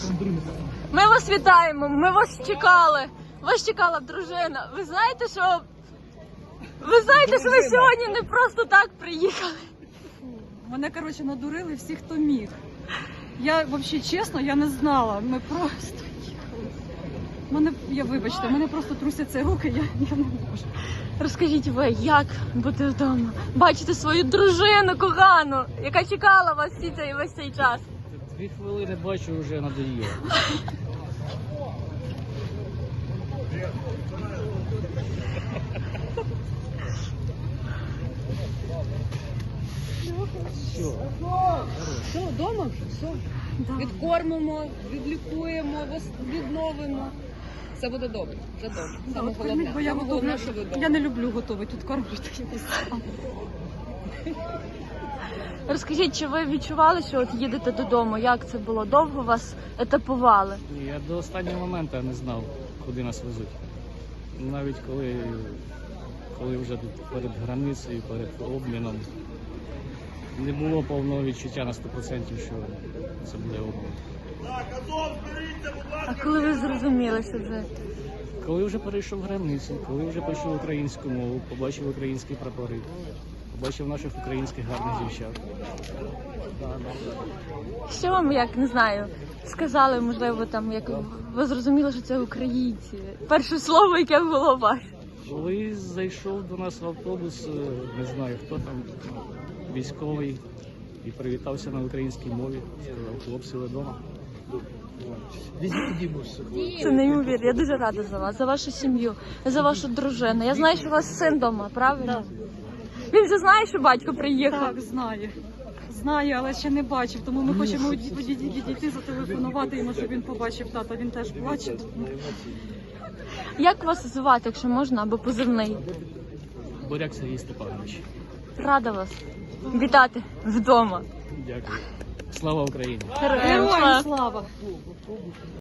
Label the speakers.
Speaker 1: Ми вас вітаємо, ми вас чекали. Вас чекала дружина. Ви знаєте, що ви сьогодні не просто так приїхали?
Speaker 2: Мене, коротше, надурили всі, хто міг. Я, взагалі, чесно, я не знала. Ми просто їхали. Вибачте, мене просто трусяться руки, я не можу.
Speaker 1: Розкажіть ви, як бути вдома? Бачите свою дружину кохану, яка чекала вас весь цей час.
Speaker 3: 2 хвилини бачу, вже надоїло.
Speaker 4: Все, вдома вже, все. Відкормимо, відлікуємо, відновимо. Все буде добре, вже добре. Саме головне.
Speaker 2: Бо я
Speaker 4: Саме головне, що ви
Speaker 2: готовлю.
Speaker 4: вдома.
Speaker 2: Я не люблю готувати, тут кормлять якось.
Speaker 1: Розкажіть, чи ви відчували, що от їдете додому? Як це було? Довго вас етапували?
Speaker 3: Я до останнього моменту не знав, куди нас везуть. Навіть коли вже тут перед границею, перед обміном, не було повного відчуття на 100%, що це буде обмін.
Speaker 1: А коли ви зрозуміли, що вже?
Speaker 3: Коли вже перейшов границю, коли вже почув українську мову, побачив українські прапори, побачив наших українських гарних дівчат.
Speaker 1: Що вам, як, не знаю, сказали, можливо, там, як ви зрозуміли, що це українці? Перше слово, яке було ваше?
Speaker 3: Коли зайшов до нас в автобус, не знаю, хто там, військовий, і привітався на українській мові, сказав, хлопці, ви вдома.
Speaker 1: Це неймовірно. Я дуже рада за вас, за вашу сім'ю, за вашу дружину. Я знаю, що у вас син вдома, правильно? Він вже знає, що батько приїхав?
Speaker 2: Так, знає. Знає, але ще не бачив, тому ми хочемо відійти, зателефонувати йому, щоб він побачив тата. Він теж плаче.
Speaker 1: Як вас звати, якщо можна, або позивний?
Speaker 3: Буряк Сергій Степанович.
Speaker 1: Рада вас вітати вдома.
Speaker 3: Дякую. Слава Україні!
Speaker 1: Героям слава!
Speaker 2: Героям слава!